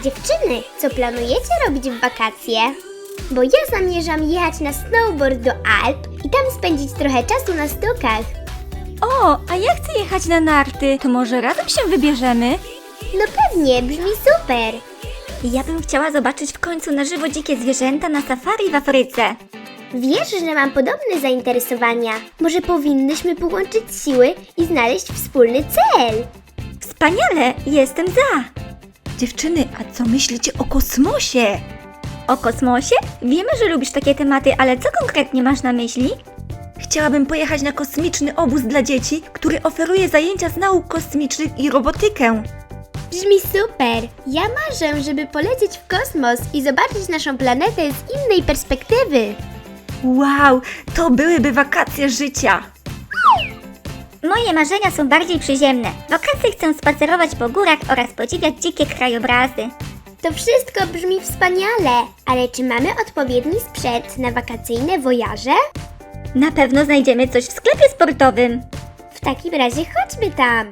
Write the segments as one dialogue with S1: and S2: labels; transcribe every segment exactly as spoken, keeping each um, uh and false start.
S1: Dziewczyny, co planujecie robić w wakacje? Bo ja zamierzam jechać na snowboard do Alp i tam spędzić trochę czasu na stokach.
S2: O, a ja chcę jechać na narty. To może razem się wybierzemy?
S1: No pewnie, brzmi super.
S2: Ja bym chciała zobaczyć w końcu na żywo dzikie zwierzęta na safari w Afryce.
S1: Wiesz, że mam podobne zainteresowania. Może powinnyśmy połączyć siły i znaleźć wspólny cel.
S2: Wspaniale, jestem za. Dziewczyny, a co myślicie o kosmosie? O kosmosie? Wiemy, że lubisz takie tematy, ale co konkretnie masz na myśli? Chciałabym pojechać na kosmiczny obóz dla dzieci, który oferuje zajęcia z nauk kosmicznych i robotykę.
S1: Brzmi super. Ja marzę, żeby polecieć w kosmos i zobaczyć naszą planetę z innej perspektywy.
S2: Wow, to byłyby wakacje życia.
S3: Moje marzenia są bardziej przyziemne. W wakacje chcę spacerować po górach oraz podziwiać dzikie krajobrazy.
S1: To wszystko brzmi wspaniale, ale czy mamy odpowiedni sprzęt na wakacyjne wojaże?
S3: Na pewno znajdziemy coś w sklepie sportowym.
S1: W takim razie chodźmy tam.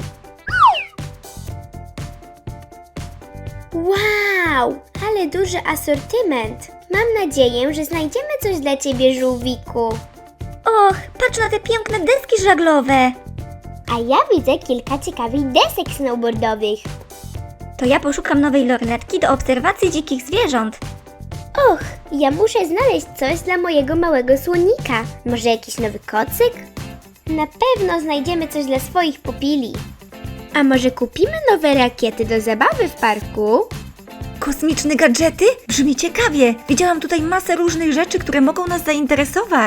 S1: Wow, ale duży asortyment. Mam nadzieję, że znajdziemy coś dla Ciebie, żółwiku.
S3: Och, patrz na te piękne deski żaglowe.
S1: A ja widzę kilka ciekawych desek snowboardowych.
S3: To ja poszukam nowej lornetki do obserwacji dzikich zwierząt.
S1: Och, ja muszę znaleźć coś dla mojego małego słonika. Może jakiś nowy kocyk? Na pewno znajdziemy coś dla swoich pupili. A może kupimy nowe rakiety do zabawy w parku?
S2: Kosmiczne gadżety? Brzmi ciekawie. Widziałam tutaj masę różnych rzeczy, które mogą nas zainteresować.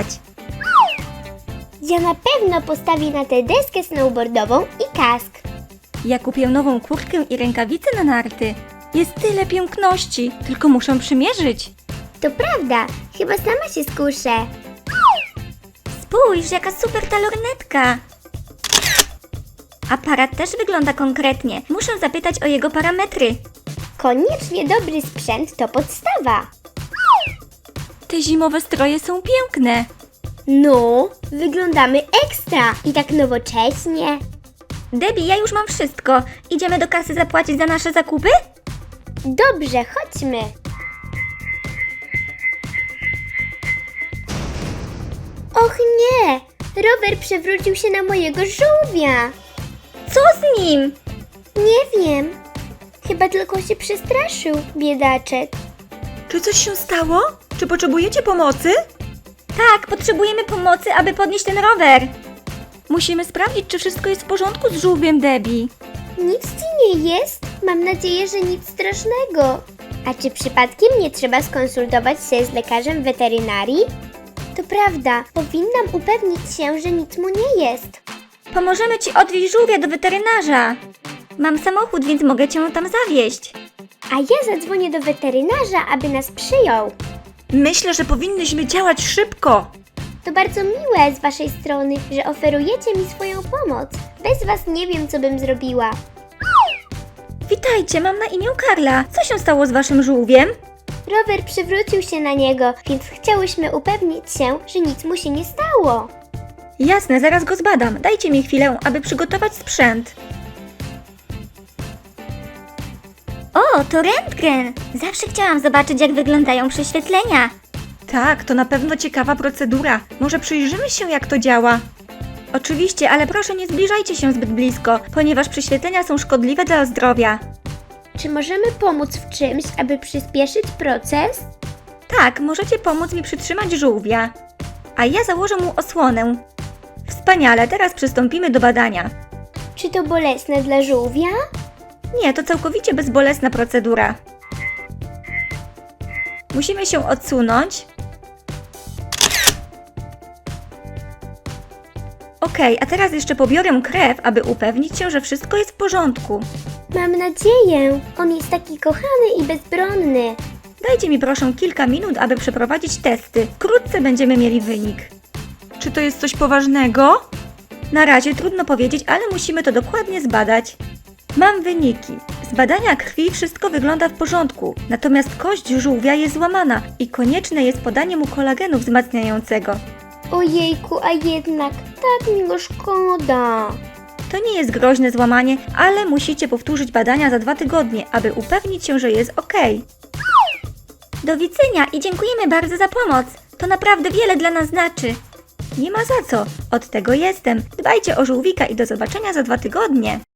S1: Ja na pewno postawię na tę deskę snowboardową i kask.
S2: Ja kupię nową kurtkę i rękawice na narty. Jest tyle piękności, tylko muszę przymierzyć.
S1: To prawda, chyba sama się skuszę.
S3: Spójrz, jaka super ta lornetka. Aparat też wygląda konkretnie. Muszę zapytać o jego parametry.
S1: Koniecznie dobry sprzęt to podstawa.
S2: Te zimowe stroje są piękne.
S1: No, wyglądamy ekstra i tak nowocześnie.
S3: Debbie, ja już mam wszystko. Idziemy do kasy zapłacić za nasze zakupy?
S1: Dobrze, chodźmy. Och nie, rower przewrócił się na mojego żółwia.
S3: Co z nim?
S1: Nie wiem, chyba tylko się przestraszył, biedaczek.
S2: Czy coś się stało? Czy potrzebujecie pomocy?
S3: Tak, potrzebujemy pomocy, aby podnieść ten rower.
S2: Musimy sprawdzić, czy wszystko jest w porządku z żółwiem Debbie.
S1: Nic ci nie jest? Mam nadzieję, że nic strasznego. A czy przypadkiem nie trzeba skonsultować się z lekarzem weterynarii? To prawda, powinnam upewnić się, że nic mu nie jest.
S3: Pomożemy ci odwieźć żółwia do weterynarza. Mam samochód, więc mogę cię tam zawieźć.
S1: A ja zadzwonię do weterynarza, aby nas przyjął.
S2: Myślę, że powinnyśmy działać szybko.
S1: To bardzo miłe z waszej strony, że oferujecie mi swoją pomoc. Bez was nie wiem, co bym zrobiła.
S3: Witajcie, mam na imię Karla. Co się stało z waszym żółwiem?
S1: Rower przywrócił się na niego, więc chciałyśmy upewnić się, że nic mu się nie stało.
S2: Jasne, zaraz go zbadam. Dajcie mi chwilę, aby przygotować sprzęt.
S3: O, to rentgen. Zawsze chciałam zobaczyć, jak wyglądają prześwietlenia.
S2: Tak, to na pewno ciekawa procedura. Może przyjrzymy się, jak to działa. Oczywiście, ale proszę nie zbliżajcie się zbyt blisko, ponieważ prześwietlenia są szkodliwe dla zdrowia.
S1: Czy możemy pomóc w czymś, aby przyspieszyć proces?
S2: Tak, możecie pomóc mi przytrzymać żółwia. A ja założę mu osłonę. Wspaniale, teraz przystąpimy do badania.
S1: Czy to bolesne dla żółwia?
S2: Nie, to całkowicie bezbolesna procedura. Musimy się odsunąć. Okej, a teraz jeszcze pobiorę krew, aby upewnić się, że wszystko jest w porządku.
S1: Mam nadzieję. On jest taki kochany i bezbronny.
S2: Dajcie mi proszę kilka minut, aby przeprowadzić testy. Wkrótce będziemy mieli wynik. Czy to jest coś poważnego? Na razie trudno powiedzieć, ale musimy to dokładnie zbadać. Mam wyniki. Z badania krwi wszystko wygląda w porządku, natomiast kość żółwia jest złamana i konieczne jest podanie mu kolagenu wzmacniającego.
S1: Ojejku, a jednak tak mi go szkoda.
S2: To nie jest groźne złamanie, ale musicie powtórzyć badania za dwa tygodnie, aby upewnić się, że jest ok.
S3: Do widzenia i dziękujemy bardzo za pomoc. To naprawdę wiele dla nas znaczy.
S2: Nie ma za co, od tego jestem. Dbajcie o żółwika i do zobaczenia za dwa tygodnie.